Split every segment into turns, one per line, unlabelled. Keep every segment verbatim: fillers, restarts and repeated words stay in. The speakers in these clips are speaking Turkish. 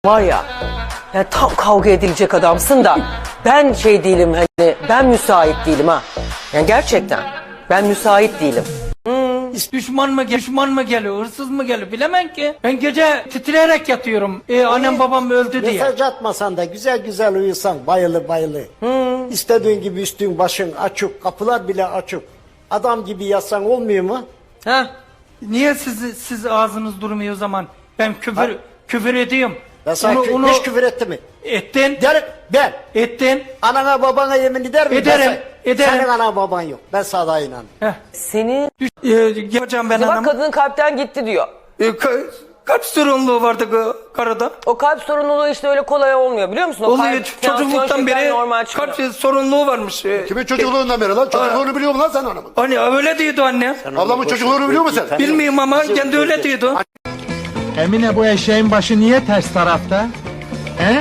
Var ya, ya tam kavga edilecek adamsın da ben şey değilim, hani ben müsait değilim ha. Yani gerçekten ben müsait değilim.
Düşman mı, düşman mı geliyor, hırsız mı geliyor bilemem ki. Ben gece titreyerek yatıyorum. Ee, annem babam öldü diye.
Mesaj atmasan da güzel güzel uyusan bayılı bayılı. Hmm. İstediğin gibi üstün başın açık, kapılar bile açık. Adam gibi yatsan olmuyor mu?
Ha? Niye siz siz ağzınız durmuyor o zaman? Ben küfür
Ha?
küfür ediyorum.
Ben sana
Onu-
kü-
onu-
hiç küfür etti mi?
Ettin.
Derim ben.
Ettin.
Anana babana yemin eder miyim?
Ederim,
Ben sen-
ederim.
Senin anan baban yok. Ben sana inanıyorum.
Heh.
Seni
Düş- Ee, yapacağım ben
bak
anam.
kadının kalpten gitti diyor.
Ee, ka- kalp sorunluğu vardı ka- karıda.
O kalp sorunluluğu işte öyle kolay olmuyor biliyor musun? O
Oluyor
kalp, tansiyon,
çocukluktan
şeker
beri
normal çıkıyor.
kalp sorunluğu varmış. Ee,
Kimin çocukluğundan beri lan? Çocukluğunu biliyor musun lan sen anamın?
Hani öyle diyordu anne.
Ablamın çocukluğunu biliyor musun sen?
Bilmiyorum ama kendi öyle diyordu.
Emine bu eşeğin başı niye ters tarafta? He?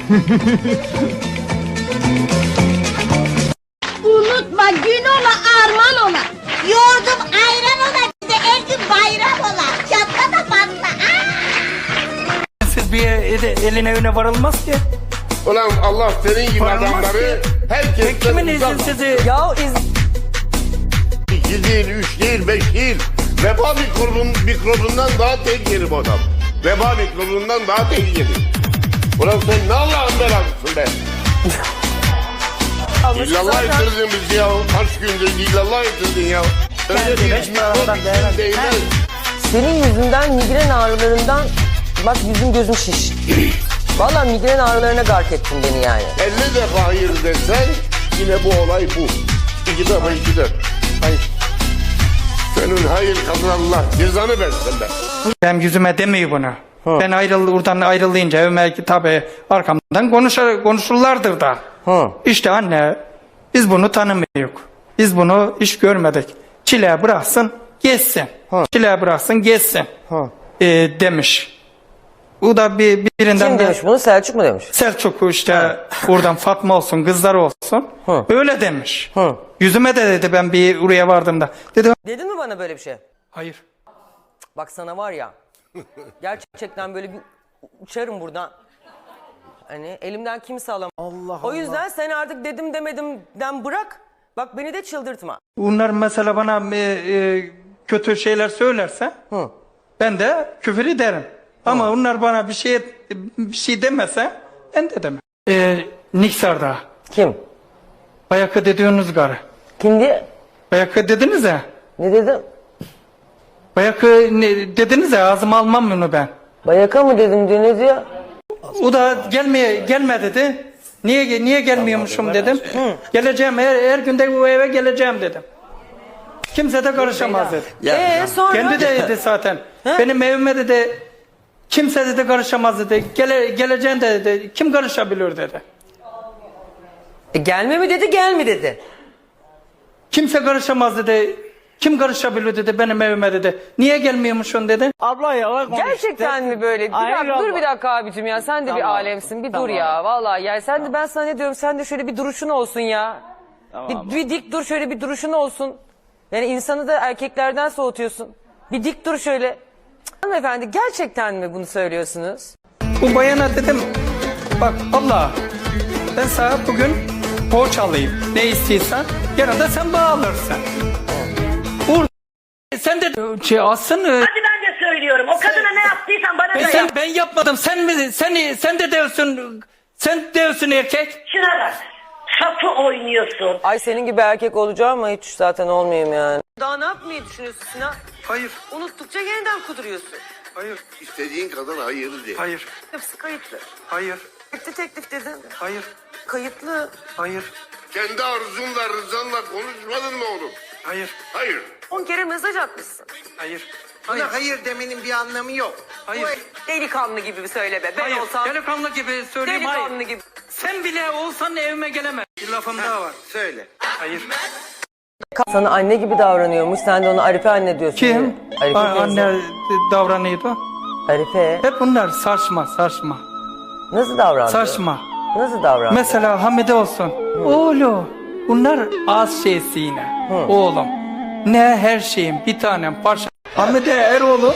Unutma gün ola arman ola. Yoğurdum ayran ola. Bir de her gün bayram ola. Çatla da patla. Aa!
Siz bir e- eline öne varılmaz ki.
Ulan Allah senin gibi
Varılmaz
adamları
ki.
herkesten
Kimin
uzak.
izin sizi?
Ya iz...
İki değil, üç değil, beş değil. Veba mikrobun, mikrobundan daha tehlikeli bu adam. Veba mikrobundan daha tehlikeli. Ulan sen ne Allah'ın belasısın be. İllallah ettirdin bizi ya. Kaç gündür illallah ettirdin ya. Öyle bir mikrop değmez.
Senin yüzünden migren ağrılarından bak yüzüm gözüm şiş. Vallahi migren ağrılarına gark ettin beni yani.
elli defa hayır desen yine bu olay bu. İki defa iki de. Hayır. Senin hayır kadın Allah cezanı versin be.
Ben yüzüme demiyor bunu. Ben ayrıl, oradan ayrılayınca evime tabi arkamdan konuşur, konuşurlardır da.
Hı.
İşte anne biz bunu tanımıyoruz. Biz bunu hiç görmedik. Çile bıraksın geçsin. Çile bıraksın geçsin. Ee, demiş. Bu da bir birinden
Kim
de-
demiş bunu? Selçuk mu demiş?
Selçuk işte oradan Fatma olsun kızlar olsun.
Hı.
Öyle demiş.
Hı.
Yüzüme de dedi ben bir oraya vardığımda. Dedi
Dedin mi bana böyle bir şey?
hayır.
Bak sana var ya, gerçekten böyle bir uçarım buradan. Hani elimden kimse alamaz. Allah O yüzden sen artık dedim demedimden bırak. Bak beni de çıldırtma.
Bunlar mesela bana e, e, kötü şeyler söylerse
Hı.
ben de küfür ederim. Ama onlar bana bir şey bir şey demese ben de demem. Ee, Niksar'da
Kim?
Bayakı dediğiniz karı.
Kim diye?
Bayakı dediniz ya.
Ne dedim?
Bayakı ne, dediniz ya ağzıma almam bunu ben.
Bayaka mı dedim diyor, ne diyor?
O da gelmeye gelme dedi. Niye niye gelmiyormuşum dedim. Geleceğim her, her günde bu eve geleceğim dedim. Kimse de karışamaz dedi.
Eee sonra?
Kendi de dedi zaten. Benim evime dedi kimse dedi karışamaz dedi. Gele, geleceğin de dedi. Kim karışabilir dedi.
E, gelme mi dedi, gel mi dedi?
Kimse karışamaz dedi. Kim karışabilir dedi benim evime dedi. Niye gelmiyormuşsun dedi.
Abla yalan konuş.
Gerçekten mi böyle? Bir
Hayır
dakika, dur
abla.
bir dakika abicim ya, sen de bir
Tamam.
alemsin, bir dur
Tamam.
ya vallahi ya, sen de ben sana ne diyorum, sen de şöyle bir duruşun olsun ya.
Tamam.
Bir, bir dik dur, şöyle bir duruşun olsun. Yani insanı da erkeklerden soğutuyorsun. Bir dik dur şöyle. Cık, hanımefendi gerçekten mi bunu söylüyorsunuz?
Bu bayana dedim. Bak abla ben sana bugün borç alayım. Ne istiyorsan yarın da sen bağlırsın. Uğur sen de şey alsın. e,
Hadi ben de söylüyorum. O kadına ne yaptıysan bana
Ben,
da
sen,
yap.
ben yapmadım. Sen mi? Sen sen de diyorsun. Sen diyorsun erkek.
Şuna bak. Sapı oynuyorsun.
Ay senin gibi erkek olacağım ama hiç zaten olmayayım yani. Daha ne yapmayı düşünüyorsun Sinan?
Hayır.
Unuttukça yeniden kuduruyorsun.
Hayır.
İstediğin kadın hayır de.
Hayır.
Hepsi kayıtlı.
Hayır.
Bitti teklif dedin.
Hayır.
Kayıtlı.
Hayır.
Kendi arzunla rızanla konuşmadın mı oğlum?
Hayır.
Hayır.
On kere mesaj atmışsın.
Hayır.
Hayır. Hayır demenin bir anlamı yok.
Hayır.
Delikanlı gibi söyle be. Ben
Hayır.
olsam
Delikanlı gibi söyleyeyim.
delikanlı
Hayır.
gibi.
Sen bile olsan evime gelemez. Bir lafım daha var.
Söyle.
Hayır.
Sana anne gibi davranıyormuş. Sen de ona Arife anne diyorsun.
Kim?
Arife
A-
teyze.
anne davranıyordu.
Arife.
Hep bunlar saçma saçma.
Nasıl davrandı?
Saçma.
Nasıl davrandı?
Mesela Hamide olsun. Oğlum. Bunlar az şeysi yine. Oğlum. Ne her şeyin bir tanem parça. Hamide Eroğlu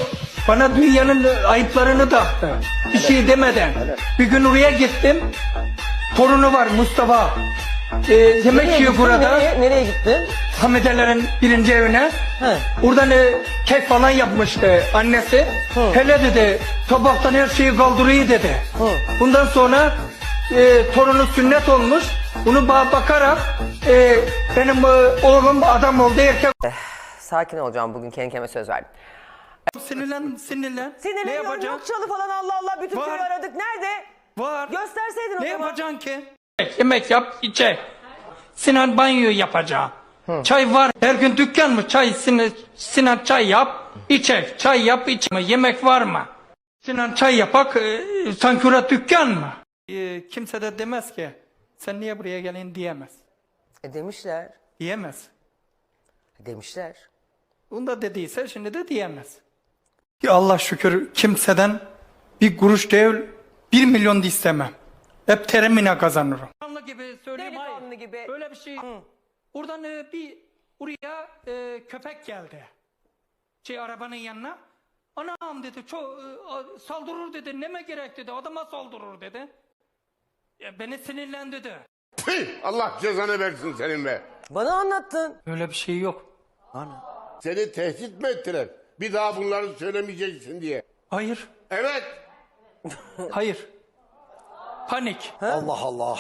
Bana dünyanın ayıplarını taktı. Bir şey demeden. Bir gün oraya gittim. Torunu var Mustafa. Ee, yemek
Nereye
yiyor
gittin?
burada.
Nereye, nereye gittin?
Hamidelerin birinci evine.
He.
Oradan e, kek falan yapmıştı annesi. Hele dedi tabaktan her şeyi kaldırıyor dedi. Bundan sonra e, torunu sünnet olmuş. Bunu ba- bakarak e, benim e, oğlum adam oldu erkek.
Sakin olacağım bugün, kendi kendime söz verdim.
Sinirlen sinirlen. Ne
Sinirleniyorum,
yapacaksın?
yok çalı falan, Allah Allah, bütün
Var.
köyü aradık. Nerede?
Var.
Gösterseydin o
Ne
zaman.
yapacaksın ki? Yemek yap, içe. Sinan banyo yapacağım. Çay var. Her gün dükkan mı? Çay, Sinan, Sinan çay yap, içe. Çay yap, içe. Yemek var mı? Sinan çay yapak, e, sanki orada dükkan mı? E, kimse de demez ki, sen niye buraya gelin diyemez.
E demişler.
Diyemez.
Demişler.
Bunu da dediyse şimdi de diyemez. Ya Allah şükür kimseden bir kuruş değil, bir milyon da istemem. Hep terimine kazanırım. Delikanlı gibi söyleyeyim, hayır.
Delikanlı gibi.
Böyle bir şey. Oradan e, bir oraya e, köpek geldi. Şey arabanın yanına. Anam dedi, çok e, saldırır dedi. Neme gerek dedi. Adama saldırır dedi. Ya, beni sinirlendirdi.
Tüh, Allah cezanı versin senin be.
Bana anlattın.
Öyle bir şey yok.
Seni tehdit mi ettiler? Bir daha bunları söylemeyeceksin diye.
Hayır.
Evet.
Hayır. Panik.
Allah Allah.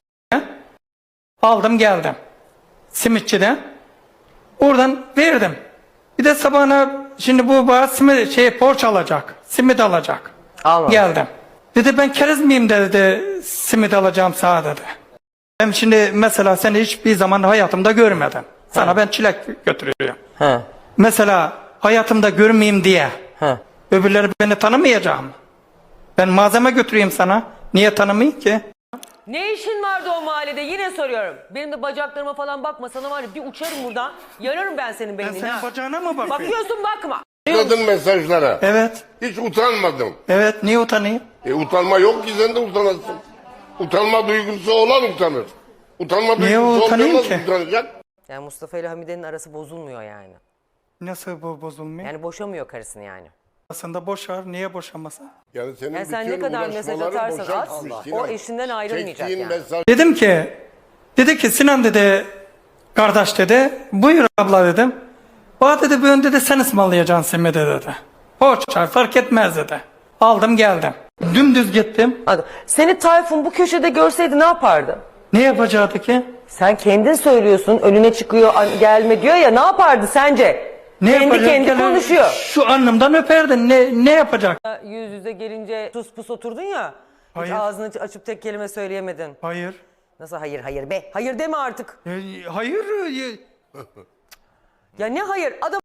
Aldım geldim. Simitçiden. Oradan verdim. Bir de sabahına şimdi bu bana simit, şey, poğaça alacak. Simit alacak.
Almamış.
Geldim. Dedi ben keriz miyim dedi, simit alacağım sana dedi. Ben şimdi mesela seni hiçbir zaman hayatımda görmedim. Sana ben çilek götürüyorum.
He.
Mesela hayatımda görmeyeyim diye.
He.
Öbürleri beni tanımayacak mı? Ben malzeme götüreyim sana. Niye tanımayayım ki?
Ne işin vardı o mahallede? Yine soruyorum. Benim de bacaklarıma falan bakma, sana var ya bir uçarım buradan. Yararım ben senin
Ben
beynini.
senin
ha.
bacağına mı bakıyorum?
Bakıyorsun bakma.
Anladın mesajlara.
Evet.
Hiç utanmadım.
Evet. Niye utanayım?
E utanma yok ki, sen de utanasın. Utanma duygusu olan utanır. Utanma
Niye
duygusu
utanayım
olmayan nasıl
ki?
utanacak?
Yani Mustafa ile Hamide'nin arası bozulmuyor yani.
Nasıl bu bozulmuyor?
Yani boşamıyor karısını yani.
Aslında boşar. Niye boşamasın?
Yani senin
Yani sen ne
bütün
kadar mesaj
uğraşmaların
atarsan
boşa
at,
gitmiş
o
Sinan.
eşinden ayrılmayacak
Çektiğin
yani.
mesaj
Dedim ki, dedi ki Sinan dedi, kardeş dedi, buyur abla dedim. Bana dedi bu önde de sen ısmarlayacaksın simidi dedi. Poğaça fark etmez dedi. Aldım geldim. Dümdüz gittim.
Hadi. Seni Tayfun bu köşede görseydi ne yapardı?
Ne yapacaktı ki?
Sen kendin söylüyorsun, önüne çıkıyor, an- gelme diyor ya, ne yapardı sence?
Ne
kendi
yapacak?
kendi
Gene
konuşuyor.
Şu alnımdan öperdi. Ne, ne yapacak?
Yüz yüze gelince sus pus oturdun ya. Hiç
Hayır.
ağzını açıp tek kelime söyleyemedin.
Hayır.
Nasıl hayır hayır be? Hayır deme artık.
E, hayır. e,
Ya ne hayır? Adam